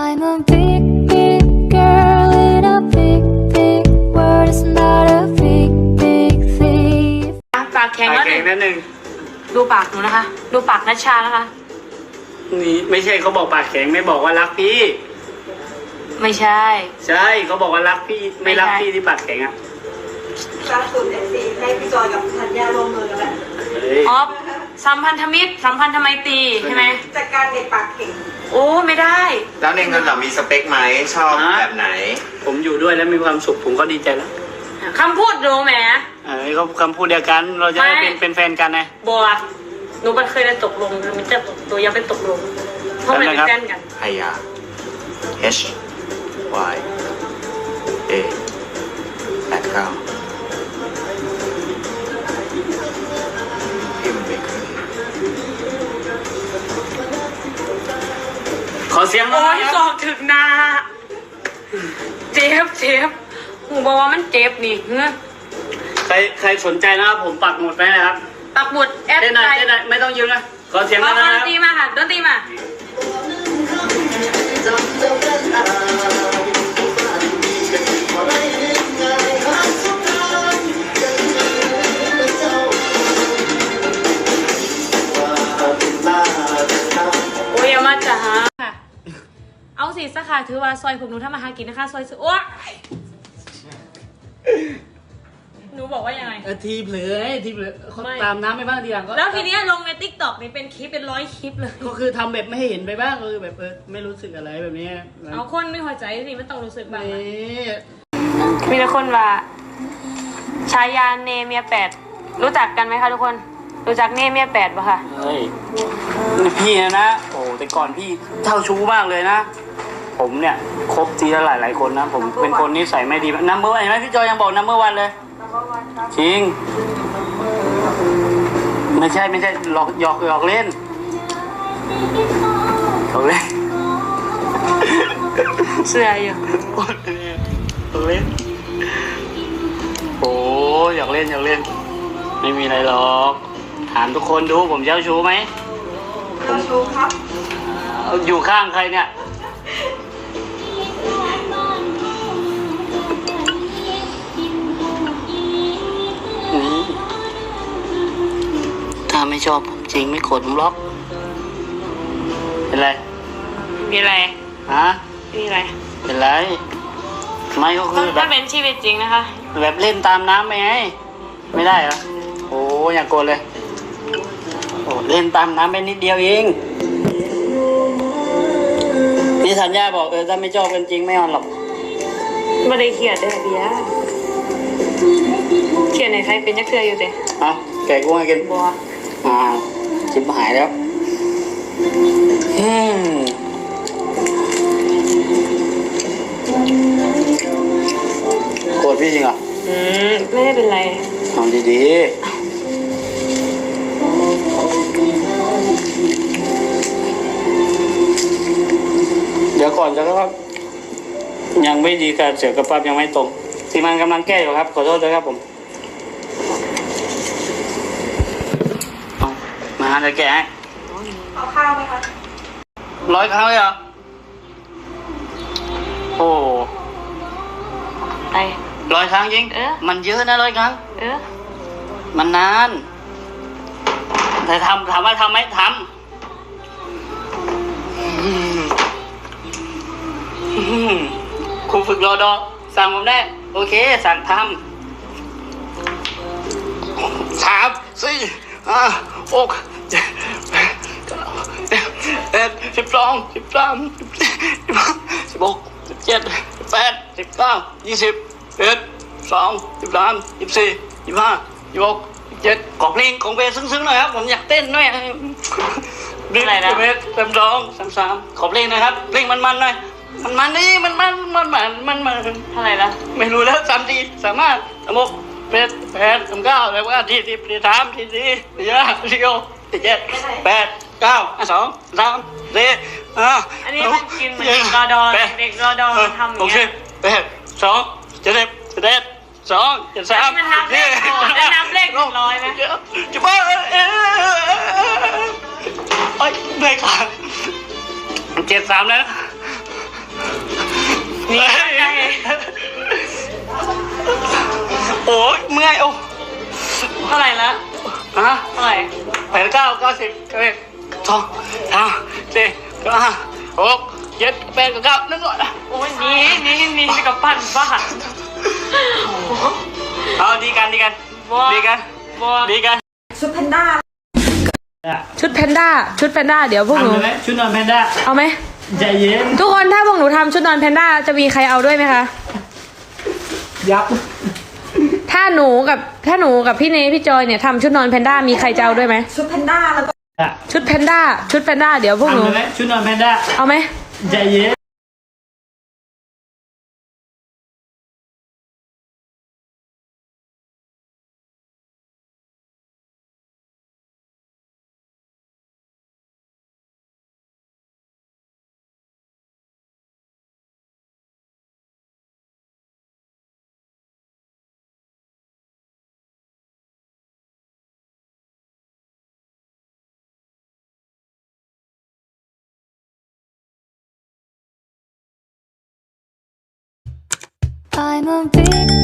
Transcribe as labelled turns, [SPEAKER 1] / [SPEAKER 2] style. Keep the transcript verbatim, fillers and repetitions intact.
[SPEAKER 1] I'm a big, big girl in a big, big world. It's not a big, big thief.
[SPEAKER 2] ปากแข็งแล้วหนึ่ง
[SPEAKER 3] นั่นหนึ่ง
[SPEAKER 2] ดูปากหนูนะคะ ดูปากนัชชานะคะ
[SPEAKER 3] นี่ไม่ใช่เขาบอกปากแข็งไม่บอกว่ารักพี่
[SPEAKER 2] ไม่ใช่
[SPEAKER 3] ใช่เขาบอกว่ารักพี่ไม่รักพี่ที่ปากแข็งอ่ะ
[SPEAKER 4] ล่าสุดเอฟซีให้พี่จอยกับธัญญาร่วมมือกันแหละ
[SPEAKER 3] เฮ้ย
[SPEAKER 2] อ๋อสัมพันธมิตรสัมพันธไมตรีใช่ไหม
[SPEAKER 4] จัดการเด็กปากเก่ง
[SPEAKER 2] โอ้ไม่ได้
[SPEAKER 5] แล้วในเงินเรามีสเปคไหมชอบแบบไหน
[SPEAKER 3] ผมอยู่ด้วยแล้วมีความสุขผมก็ดีใจแล้ว
[SPEAKER 2] คำพูดดูแหม
[SPEAKER 3] เออเขาคำพูดเดียวกันเราจะได้เป็นเป็นแฟนกันไง
[SPEAKER 2] บัวหนูมันเคยได้ตกลงมันจะตัวยังเป็นตกลงเพราะมันเป็นแฟนกัน
[SPEAKER 5] ไฮยา H Y A แปดเก้าพิมพ์ไปคืน
[SPEAKER 3] ขอเสียงหน่
[SPEAKER 2] โอ้
[SPEAKER 3] อย
[SPEAKER 2] ย
[SPEAKER 3] ค
[SPEAKER 2] ส
[SPEAKER 3] รับ
[SPEAKER 2] อกถึงนาเจ็บเจ็บหูบอกว่ามันเจ็บนี่เฮ้ย
[SPEAKER 3] ใครใครสนใจนะครับผมปักหมุดไว้นะครับ
[SPEAKER 2] ปักหมุดแอป
[SPEAKER 3] เต้นหน่อย
[SPEAKER 2] ไทย
[SPEAKER 3] เต้นหน่อยไม่ต้องยืนนะขอเสียงห
[SPEAKER 2] ข
[SPEAKER 3] น่
[SPEAKER 2] อ
[SPEAKER 3] อย
[SPEAKER 2] ด
[SPEAKER 3] นะคน รับ
[SPEAKER 2] ตรีมาค่ะดนตรีมาโอ้ยอย่ามาจ้าค่ะเอาสิสักค่ะถือว่าซอยผมหนูทำมาหากินนะคะซอยสุดโอ้หนูบอกว่ายังไง
[SPEAKER 3] เออทีเผลอไอ้ทีเผลอเขา
[SPEAKER 2] ไม่
[SPEAKER 3] ตามน้ำไปบ้างทีหลังก็
[SPEAKER 2] แล้วทีเนี้ยลงในติ๊กต็อกนี่เป็นคลิปเป็นร้อยคลิปเลย
[SPEAKER 3] ก็คือทำแบบไม่ให้เห็นไปบ้างเออแบบเออไม่รู้สึกอะไรแบบนี้
[SPEAKER 2] เอาคนไม่หัวใจสิไม่ต้องรู้สึกบ้าง
[SPEAKER 3] นี่
[SPEAKER 2] มีแต่คนว่าชายาเนเมียแปดรู้จักกันไหมคะทุกคนรู้จักเนเมียแปดปะคะ
[SPEAKER 3] เฮ้ยนี่พี่นะนะโอ้แต่ก่อนพี่เท่าชู้มากเลยนะ ผมเนี่ยคบทีละหลายหลายๆคนนะผมเป็นคนนิสัยไม่ดีนัมเบอร์วันเห็นไหมพี่จอยยังบอกนัมเบอร์วันเลยจริงไม่ใช่ไม่ใช่หลอกหยอกหยอกเล่นหยอกเล่น
[SPEAKER 2] เสื้ออยู่
[SPEAKER 3] หยอกเล่นโอ้หยอกเล่นหยอกเล่นไม่มีอะไรหรอกถามทุกคนดูผมเจ้าชู้ไหม
[SPEAKER 4] เจ้าชู้ครับ
[SPEAKER 3] เอาอยู่ข้างใครเนี่ยนี่ถ้าไม่ชอบผมจริงไม่โกรธผมหรอกเป็นไร
[SPEAKER 2] มีอะไร
[SPEAKER 3] ฮะ
[SPEAKER 2] มีอะไร
[SPEAKER 3] เป็นไรไม่ก็คือแบ
[SPEAKER 2] ถ้า
[SPEAKER 3] บ
[SPEAKER 2] เป็นชีวิตจริงนะคะ
[SPEAKER 3] แบบเล่นตามน้ำไปไงไม่ได้เหรอโอ้อย่าโกรธเลยโอ้เล่นตามน้ำไปนิดเดียวเองพี่สัญญาบอกเออถ้าไม่ชอบกันจริงไม่เอาหรอก
[SPEAKER 2] ไม่ได้เขียนได้เบียร์เขียนในใครเป็นยักษ์เกลืออยู่เต้
[SPEAKER 3] เอาแกะกุ้งให้กิน
[SPEAKER 2] บัว
[SPEAKER 3] อ่าชิบหายแล้วอืมโกรธพี่จริงเหรอ
[SPEAKER 2] อืมไม่ได้เป็นไร
[SPEAKER 3] ทำดีๆเดี๋ยวก่อนจะครับยังไม่ดีการเสียกระปั๊บยังไม่ตรงทีมงานกำลังแก้อยู่ครับขอโทษด้วยครับผมเอามาจะแก้ให้
[SPEAKER 4] เอาข้าวไหมคะ
[SPEAKER 3] ร้อยครั้งเลยเหรอโอ้
[SPEAKER 2] ไป
[SPEAKER 3] ร้อยครั้งจริง
[SPEAKER 2] เออ
[SPEAKER 3] มันเยอะนะร้อยครั้ง
[SPEAKER 2] เออ
[SPEAKER 3] มันนานแต่ทำถามว่าทำไหมทำอืมอืมครูฝึกรอดอสั่งผมได้ โอเค สั่งทำสามสี่ห้าหกเจ็ดแปดเก้าเอ็ดสิบสองสิบสามสิบสี่สิบห้าสิบหกสิบเจ็ดสิบแปดสิบเก้ายี่สิบเอ็ดสองสิบสามสิบสี่สิบห้าสิบหกสิบเจ็ดขอเพลงของเพลงซึ้งๆหน่อยครับผมอยากเต้นหน่อย
[SPEAKER 2] อะไรนะ
[SPEAKER 3] เมตรสามสองสามสามขอเพลงหน่อยครับเพลงมันๆหน่อยมันมันนี่มันมันมันมันมันมัน
[SPEAKER 2] เท่าไหร่ละ
[SPEAKER 3] ไม่รู้แล้วสามทีสามารถสามหกแปดแปดสามเก้าแล้วว่าทีสิบทีสามทีสี่ทีห้าทีหกทีเจ็ดแปดเก้าสองสามสี่ห้า
[SPEAKER 2] อันนี้มันกินเหมือนเด็กรอดอเด็กรอดอมันทำอย่างเงี้ย
[SPEAKER 3] แปดสองเจ็ดเจ็ดสองเจ็ดสาม
[SPEAKER 2] มันนับเลขโอ้ได้นับเลขหนึ่งร้อยไหม
[SPEAKER 3] จะบ้าเอ้ยเอ้ยเบรกขาเจ็ดสามแล้ว
[SPEAKER 2] นี่ไง
[SPEAKER 3] โอ้ยเมื่อยโอ้
[SPEAKER 2] เท่าไหร่ละ
[SPEAKER 3] ฮะ
[SPEAKER 2] เท่าไหร่
[SPEAKER 3] แปดเก้าเก้าสิบเก้าเอ็ดสองสามสี่เก้าห้าหกเจ็ดแปดเก้านั่นก่อนนะ
[SPEAKER 2] โอ้ยนี่นี่นี่กับปั้นบ้า
[SPEAKER 3] เอาดีกันดีกัน
[SPEAKER 2] บัว
[SPEAKER 3] ดีกัน
[SPEAKER 2] บัว
[SPEAKER 3] ดีกัน
[SPEAKER 4] ชุดแพนด้า
[SPEAKER 2] ชุดแพนด้าชุดแพนด้าเดี๋ยวพวกหนู
[SPEAKER 6] ทำเลยไหมชุดนอนแพนด้า
[SPEAKER 2] เอาไหม
[SPEAKER 6] ใจเย็น
[SPEAKER 2] ทุกคนถ้าพวกหนูทำชุดนอนแพนด้าจะมีใครเอาด้วยไหมคะ
[SPEAKER 6] ยับ
[SPEAKER 2] ถ้าหนูกับถ้าหนูกับพี่เนพี่จอยเนี่ยทำชุดนอนแพนด้ามีใครจะเอาด้วยไหม
[SPEAKER 4] ชุดแพนด้าแล้วก็
[SPEAKER 2] ชุดแพนด้าชุดแพนด้าเดี๋ยวพวกหนู
[SPEAKER 6] ทำเลยไหมชุดนอนแพนด้า
[SPEAKER 2] เอาไหม
[SPEAKER 6] ใจเย็น
[SPEAKER 1] I'm a big